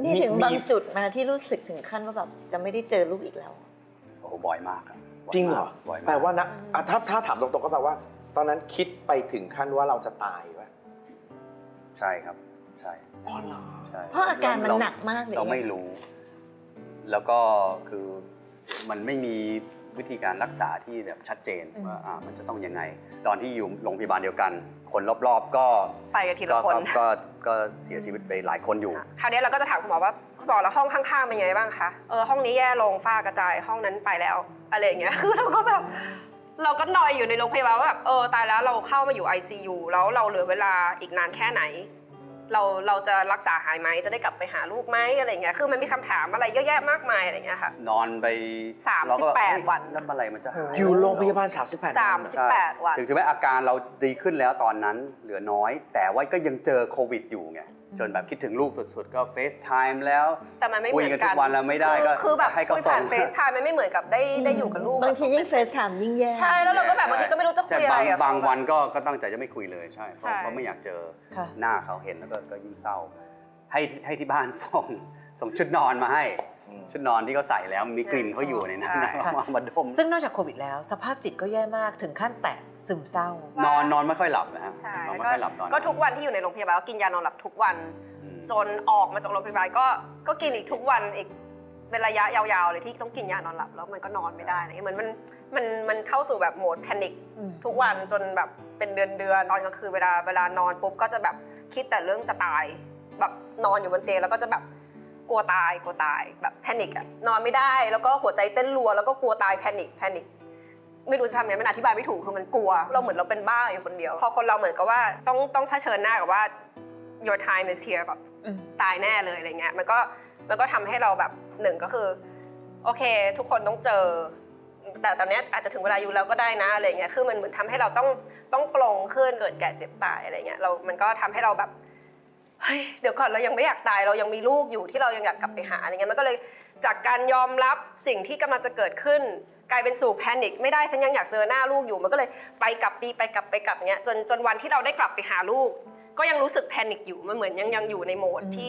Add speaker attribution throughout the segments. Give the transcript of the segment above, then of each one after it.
Speaker 1: นี่ถึงบางจุดมาที่รู้สึกถึงขั้นว่าแบบจะไม่ได้เจอลูกอีกแล้ว
Speaker 2: โอ้บ่อยมากครับ
Speaker 3: จริงเหรอแปลว่านะถ้าถามตรงๆก็แปลว่า ตอนนั้นคิดไปถึงขั้นว่าเราจะตายป่ะ
Speaker 2: ใช่ครับใช่
Speaker 3: อ๋อเหรอ
Speaker 2: ใช่
Speaker 1: เพราะอาการมันหนักมากเลย
Speaker 2: เราไม่รู้ แล้วก็คือมันไม่มีวิธีการรักษาที่แบบชัดเจนว่ามันจะต้องยังไงตอนที่อยู่โรงพยาบาลเดียวกันคนรอบๆก็
Speaker 4: ไปกันทีละคน
Speaker 2: ก็เสียชีวิตไปหลายคนอยู่
Speaker 4: คราวนี้เราก็จะถามคุณหมอว่าคุณหมอแล้วห้องข้างๆเป็นไงบ้างคะห้องนี้แย่ลงฝ้ากระจายห้องนั้นไปแล้วอะไรอย่างเงี้ยคือเราก็แบบเราก็นอยอยู่ในโรงพยาบาลว่าแบบตายแล้วเราเข้ามาอยู่ ICU แล้วเราเหลือเวลาอีกนานแค่ไหนเราจะรักษาหายไหมจะได้กลับไปหาลูกไหมอะไรเงี้ยคือมันมีคำถามอะไรเยอะแยะมากมายอะไรเงี้ยค่ะ
Speaker 2: นอนไป
Speaker 4: 38 วัน
Speaker 2: แล้วอะไรมันจะหาย
Speaker 3: อยู่โรงพยาบาล
Speaker 4: 38 วัน
Speaker 2: ถึงแม้อาการเราดีขึ้นแล้วตอนนั้นเหลือน้อยแต่ว่าก็ยังเจอโควิดอยู่ไงจนแบบคิดถึงลูกสุดๆก็เฟซไทม์แล้ว
Speaker 4: แต่มันไม่เหมือนกัน
Speaker 2: คุยกันทุกวันแล้วไม่ได้ก็
Speaker 4: คือแบบ
Speaker 2: ให้เขา
Speaker 4: ส่งเฟซไทม์มันไม่เหมือนกับได้อยู่กับลูก
Speaker 1: บางทียิ่งเฟซไทม์ยิ่งแย่
Speaker 4: ใช่แล้วเราก็แบบบางทีก็ไม่รู้จะคุยอะไร
Speaker 2: บางวันก็ตั้งใจจะไม่คุยเลยใช่เพราะไม่อยากเจอหน้าเขาเห็นแล้วก็ยิ่งเศร้าให้ที่บ้านส่งชุดนอนมาให้ชุดนอนที่เขาใส่แล้วมีกลิ่นเขาอยู่ในนั้นมาดม
Speaker 5: ซึ่งนอกจากโควิดแล้วสภาพจิตก็แย่มากถึงขั้นแตะซึมเศร้
Speaker 2: านอนไม่ค่อยหลับนะฮะนอนไม่ค่อยหลับตอน
Speaker 4: ก็ทุกวันที่อยู่ในโรงพยาบาลก็กินยานอนหลับทุกวันจนออกมาจากโรงพยาบาลก็กินอีกทุกวันอีกเป็นระยะยาวๆเลยที่ต้องกินยานอนหลับแล้วมันก็นอนไม่ได้เหมือนมันเข้าสู่แบบโหมดแพนิคทุกวันจนแบบเป็นเดือนนอนกลางคืนเวลานอนปุ๊บก็จะแบบคิดแต่เรื่องจะตายแบบนอนอยู่บนเตียงแล้วก็จะแบบกลัวตายแบบแพนิคอะนอนไม่ได้แล้วก็หัวใจเต้นรัวแล้วก็กลัวตายแพนิคไม่รู้จะทำไงมันอธิบายไม่ถูกคือมันกลัวเราเหมือนเราเป็นบ้าอยู่คนเดียวพอคนเราเหมือนกับว่าต้องเผชิญหน้ากับว่า your time is here แบบตายแน่เลยอะไรเงี้ยมันก็ทำให้เราแบบหนึ่งก็คือโอเคทุกคนต้องเจอแต่ตอนนี้อาจจะถึงเวลาอยู่แล้วก็ได้นะอะไรเงี้ยคือมันเหมือนทำให้เราต้องปลงขึ้นเกิดแก่เจ็บตายอะไรเงี้ยมันก็ทำให้เราแบบเฮ้ยเดี๋ยวก่อนเรายังไม่อยากตายเรายังมีลูกอยู่ที่เรายังอยากกลับไปหาอะไรเงี้ยมันก็เลยจากการยอมรับสิ่งที่กำลังจะเกิดขึ้นกลายเป็นสู่แพนิคไม่ได้ฉันยังอยากเจอหน้าลูกอยู่มันก็เลยไปกลับเงี้ยจนวันที่เราได้กลับไปหาลูกก็ยังรู้สึกแพนิคอยู่มันเหมือนยังอยู่ในโหมดที่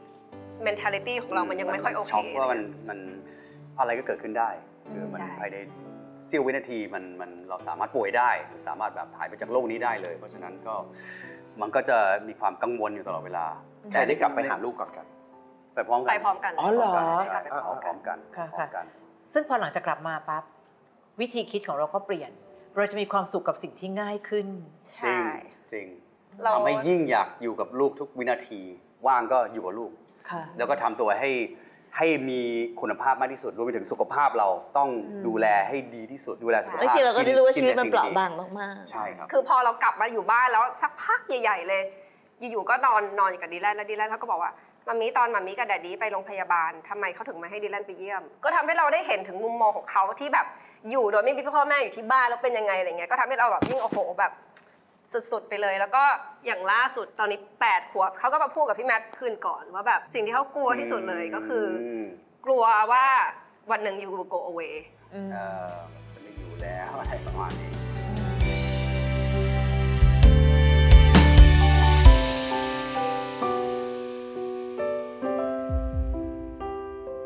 Speaker 4: mentality ของเรามันยังไม่ค่อยโอเค
Speaker 2: ช็อกว่ามันอะไรก็เกิดขึ้นได้คือมันภายในเสี้ยววินาทีมันเราสามารถป่วยได้สามารถแบบหายไปจากโลกนี้ได้เลยเพราะฉะนั้นก็มันก็จะมีความกังวลอยู่ตลอดเวลา
Speaker 3: แต่ได้กลับไปหาลูกก่อนกัน
Speaker 2: ไปพร้อมกัน
Speaker 5: อ๋อเหรอ
Speaker 2: พร้อมกัน
Speaker 5: ซึ่งพอหลังจากกลับมาปั๊บวิธีคิดของเราก็เปลี่ยนเราจะมีความสุขกับสิ่งที่ง่ายขึ้น
Speaker 2: จริงทำให้ยิ่งอยากอยู่กับลูกทุกวินาทีว่างก็อยู่กับลูกแล้วก็ทำตัวให้มีคุณภาพมากที่สุดรวมไปถึงสุขภาพเราต้องดูแลให้ดีที่สุดดูแลสุขภาพ
Speaker 1: บางทีเราก็ได้รู้ว่าชีวิตมันเปราะบางมาก
Speaker 2: ๆใช่ครับ
Speaker 4: คือพอเรากลับมาอยู่บ้านแล้วสักพักใหญ่ๆเลยอยู่ๆก็นอนอยู่กับดีแลนแล้วดีแลนเขาก็บอกว่ามัมมี่กับแดดดี้ไปโรงพยาบาลทำไมเขาถึงไม่ให้ดีแลนไปเยี่ยมก็ทำให้เราได้เห็นถึงมุมมองของเขาที่แบบอยู่โดยไม่มีพ่อแม่อยู่ที่บ้านแล้วเป็นยังไงอะไรเงี้ยก็ทำให้เราแบบยิ่งโอ้โหแบบสุดๆไปเลยแล้วก็อย่างล่าสุดตอนนี้8 ขวบเขาก็มาพูดกับพี่แมทคืนก่อนว่าแบบสิ่งที่เขากลัวที่สุดเลยก็คือกลัวว่าวันหนึ่งyou will go away
Speaker 2: จะไม่อยู่แล้วอะไรประมาณนี้